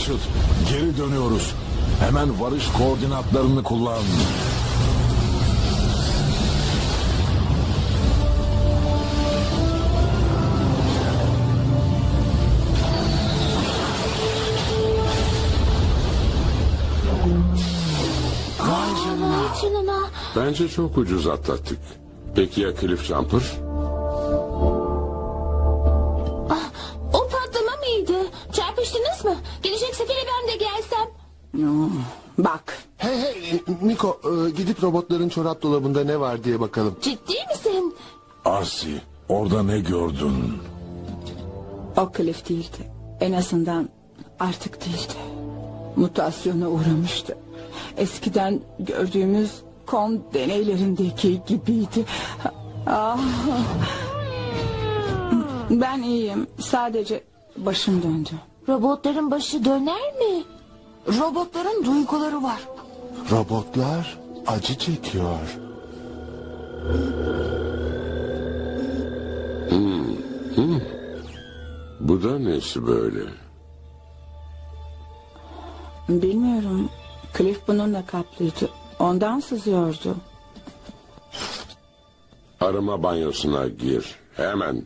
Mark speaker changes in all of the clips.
Speaker 1: Rachel, geri dönüyoruz. Hemen varış koordinatlarını kullan.
Speaker 2: Vay canına.
Speaker 3: Bence çok ucuz atlattık. Peki ya Cliff Jumper?
Speaker 2: O patlama mıydı? Çarpıştınız mı? Gelecek sefere ben de gelsem.
Speaker 4: Bak,
Speaker 5: Hey Miko, gidip robotların çorap dolabında ne var diye bakalım.
Speaker 2: Ciddi misin?
Speaker 1: Arsi, orada ne gördün?
Speaker 4: o Cliff değildi. En azından artık değildi. Mutasyona uğramıştı. Eskiden gördüğümüz kon deneylerindeki gibiydi. Ah. Ben iyiyim. Sadece başım döndü.
Speaker 2: Robotların başı döner mi?
Speaker 6: Robotların duyguları var.
Speaker 5: Robotlar acı çekiyor.
Speaker 3: Bu da nesi böyle?
Speaker 4: Bilmiyorum. Cliff bununla kaplıydı. Ondan sızıyordu.
Speaker 3: Arama banyosuna gir. Hemen.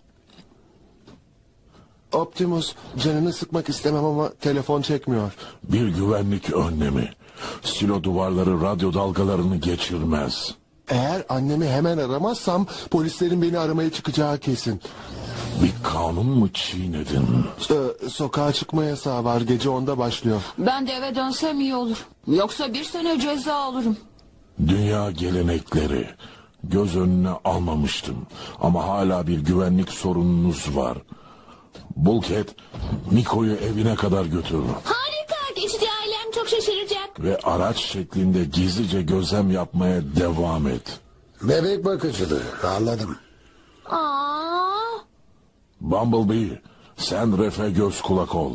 Speaker 5: Optimus, canını sıkmak istemem ama telefon çekmiyor.
Speaker 1: Bir güvenlik önlemi. Silo duvarları radyo dalgalarını geçirmez.
Speaker 5: Eğer annemi hemen aramazsam polislerin beni aramaya çıkacağı kesin.
Speaker 1: Bir kanun mu çiğnedin?
Speaker 5: Sokağa çıkma yasağı var, gece 10'da başlıyor.
Speaker 6: Ben de eve dönsem iyi olur. Yoksa 1 sene ceza alırım.
Speaker 1: Dünya gelenekleri. Göz önüne almamıştım. Ama hala bir güvenlik sorununuz var. Bulkhead, Miko'yu evine kadar götür.
Speaker 2: Harika. Geçici ailem çok şaşıracak.
Speaker 1: Ve araç şeklinde gizlice gözlem yapmaya devam et.
Speaker 7: Bebek bakıcılığı, anladım.
Speaker 2: Aa,
Speaker 1: Bumblebee, sen Ref'e göz kulak ol.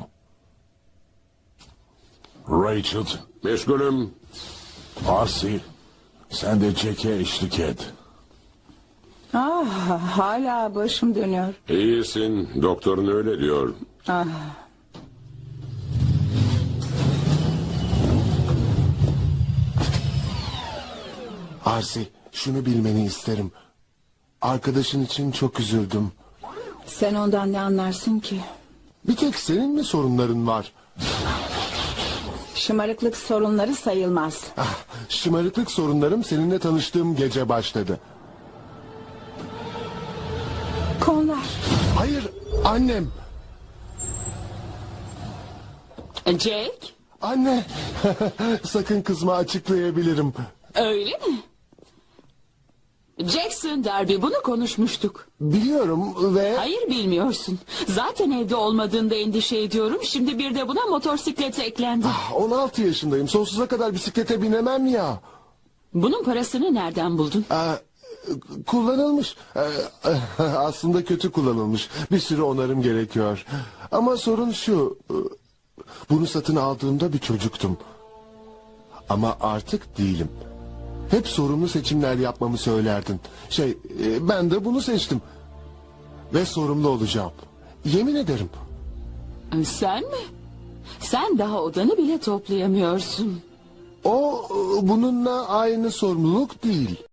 Speaker 1: Rachel,
Speaker 3: Meşgulüm.
Speaker 1: Arsi, sen de Jack'e eşlik et.
Speaker 4: Hala başım dönüyor.
Speaker 3: İyisin. Doktorun öyle diyor.
Speaker 5: Arsi, şunu bilmeni isterim. Arkadaşın için çok üzüldüm.
Speaker 4: Sen ondan ne anlarsın ki?
Speaker 5: Bir tek senin mi sorunların var?
Speaker 4: Şımarıklık sorunları sayılmaz.
Speaker 5: Şımarıklık sorunlarım seninle tanıştığım gece başladı.
Speaker 4: Konular.
Speaker 5: Hayır, annem.
Speaker 6: Jake,
Speaker 5: Anne. Sakın kızma, açıklayabilirim.
Speaker 6: öyle mi? Jackson Derby, bunu konuşmuştuk.
Speaker 5: Biliyorum ve...
Speaker 6: Hayır, bilmiyorsun. Zaten evde olmadığında endişe ediyorum. Şimdi bir de buna motosiklet eklendi.
Speaker 5: 16 yaşındayım. Sonsuza kadar bisiklete binemem ya.
Speaker 6: Bunun parasını nereden buldun?
Speaker 5: Kullanılmış. Aslında kötü kullanılmış. Bir sürü onarım gerekiyor. Ama sorun şu. Bunu satın aldığımda bir çocuktum. Ama artık değilim. Hep sorumlu seçimler yapmamı söylerdin. Ben de bunu seçtim. Ve sorumlu olacağım. Yemin ederim.
Speaker 6: Sen mi? Sen daha odanı bile toplayamıyorsun.
Speaker 5: O bununla aynı sorumluluk değil.